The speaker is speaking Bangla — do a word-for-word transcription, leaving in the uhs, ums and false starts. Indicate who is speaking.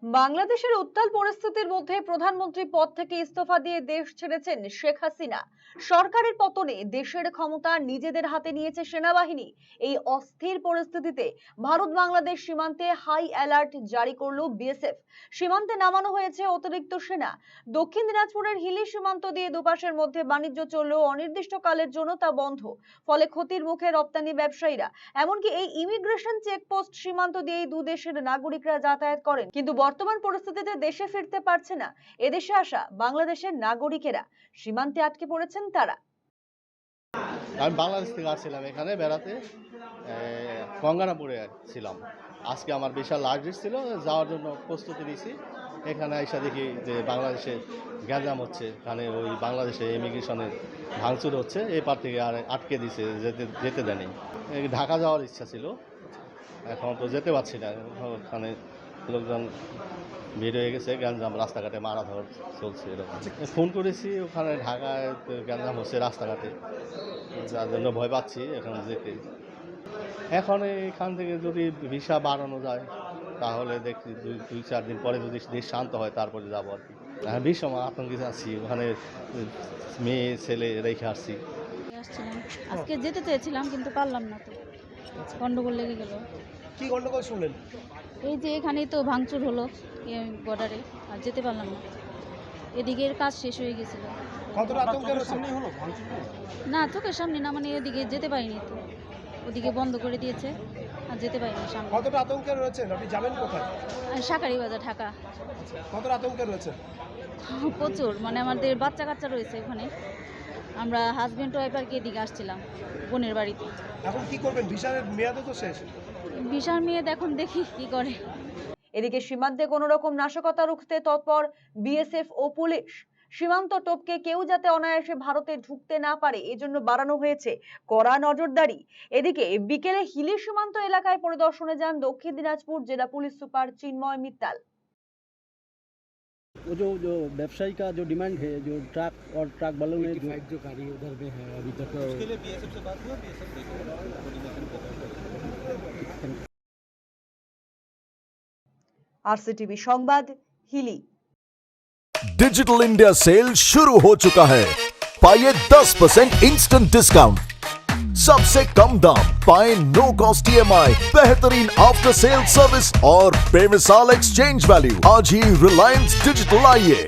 Speaker 1: বাংলাদেশের উত্তাল পরিস্থিতির মধ্যে প্রধানমন্ত্রী পদ থেকে ইস্তফা দিয়ে দেশ ছেড়েছেন শেখ হাসিনা। সরকারের পতনে দেশের ক্ষমতা নিজেদের হাতে নিয়েছে সেনাবাহিনী। এই অস্থির পরিস্থিতিতে ভারত বাংলাদেশ সীমান্তে হাই অ্যালার্ট জারি করল বিএসএফ। সীমান্তে নামানো হয়েছে অতিরিক্ত সেনা। দক্ষিণ দিনাজপুরের হিলি সীমান্ত দিয়ে দুপাশের মধ্যে বাণিজ্য চললেও অনির্দিষ্টকালের জন্য তা বন্ধ। ফলে ক্ষতির মুখে রপ্তানি ব্যবসায়ীরা। এমনকি এই ইমিগ্রেশন চেকপোস্ট সীমান্ত দিয়েই দু দেশের নাগরিকরা যাতায়াত করেন, কিন্তু বর্তমান পরিস্থিতিতে দেশে ফিরতে পারছে না এদেশে আসা বাংলাদেশের নাগরিকেরা। সীমান্তে আটকে পড়েছেন তারা।
Speaker 2: আমি বাংলাদেশ থেকে আসছিলাম এখানে বেড়াতে, গঙ্গারামপুরে ছিলাম। আজকে আমার বিশাল লার্জেস্ট ছিল, যাওয়ার জন্য প্রস্তুতি নিয়েছি। এখানে এসে দেখি যে বাংলাদেশে গ্যাঞ্জাম হচ্ছে, এখানে ওই বাংলাদেশে ইমিগ্রেশনের ভাঙচুর হচ্ছে, এই পার থেকে আর আটকে দিছে, যেতে যেতে দেয়নি। ঢাকা যাওয়ার ইচ্ছা ছিল, এখন তো যেতে পারছি না। ওখানে লোকজন ভিড় হয়ে গেছে, গ্যাঞ্জাম, রাস্তাঘাটে মারাধর চলছে এরকম। ফোন করেছি, ওখানে ঢাকায় গ্যাঞ্জাম হচ্ছে রাস্তাঘাটে, যার জন্য ভয় পাচ্ছি এখন যেতে। এখন এখান থেকে যদি ভিসা বাড়ানো যায় তাহলে দেখছি দুই দুই চার দিন পরে যদি দেশ শান্ত হয় তারপরে যাবো আর কি। হ্যাঁ, ভীষণ আতঙ্কিত আছি, ওখানে মেয়ে ছেলে রেখে আসছি।
Speaker 3: আজকে যেতে চেয়েছিলাম কিন্তু পারলাম না, তো গন্ডগোল লেগে গেল।
Speaker 4: কি গন্ডগোল শুনলেন?
Speaker 3: এই যে এখানেই তো ভাঙচুর হলো বর্ডারে, আর যেতে পারলাম না। এদিকের কাজ শেষ হয়ে গেছিল।
Speaker 4: কতটা আতঙ্কের সামনে হলো ভাঙচুর?
Speaker 3: না, চোখের সামনে না, মানে এদিকে যেতে পারিনি, তো ওদিকে বন্ধ করে দিয়েছে আর যেতে পারিনি সামনে।
Speaker 4: কতটা আতঙ্কে রয়েছেন আপনি, যাবেন কোথায়?
Speaker 3: শাকারি বাজার, ঢাকা।
Speaker 4: কতটা আতঙ্কে রয়েছেন?
Speaker 3: প্রচুর, মানে আমাদের বাচ্চা কাচ্চা রয়েছে ওখানে। আমরা হাজব্যান্ড ওয়াইফ আর কি এদিকে আসছিলাম বোনের বাড়িতে।
Speaker 4: এখন কি করবেন? ভিসার মেয়াদও তো শেষ।
Speaker 3: ভিসার মেয়াদ এখন দেখি কি করে।
Speaker 1: এদিকে সীমান্তে কোনো রকম নাশকতা রুখতে তৎপর বিএসএফ ও পুলিশ। সীমান্ত টপকে কেউ যাতে অনায়াসে ভারতে ঢুকতে না পারে এজন্য বাড়ানো হয়েছে কড়া নজরদারি। এদিকে বিকেলে হিলি সীমান্ত এলাকায় পরিদর্শনে যান দক্ষিণ দিনাজপুর জেলা পুলিশ সুপার চিন্ময় মিত্তাল।
Speaker 5: वो जो जो व्यवसायी का जो डिमांड है, जो ट्रक और ट्रक वालों ने जो
Speaker 6: जो गाड़ी उधर में है अभी तक, उसके लिए बीएसएफ से बात हुआ, बीएसएफ कोऑर्डिनेशन कर रहा है।
Speaker 1: आरसीटीवी সংবাদ, হিলি।
Speaker 7: डिजिटल इंडिया सेल शुरू हो चुका है। पाइए दस परसेंट इंस्टेंट डिस्काउंट, सबसे कम दाम, पाए नो कॉस्ट ईएमआई, बेहतरीन आफ्टर सेल सर्विस और बेमिसाल एक्सचेंज वैल्यू। आज ही रिलायंस डिजिटल आइए।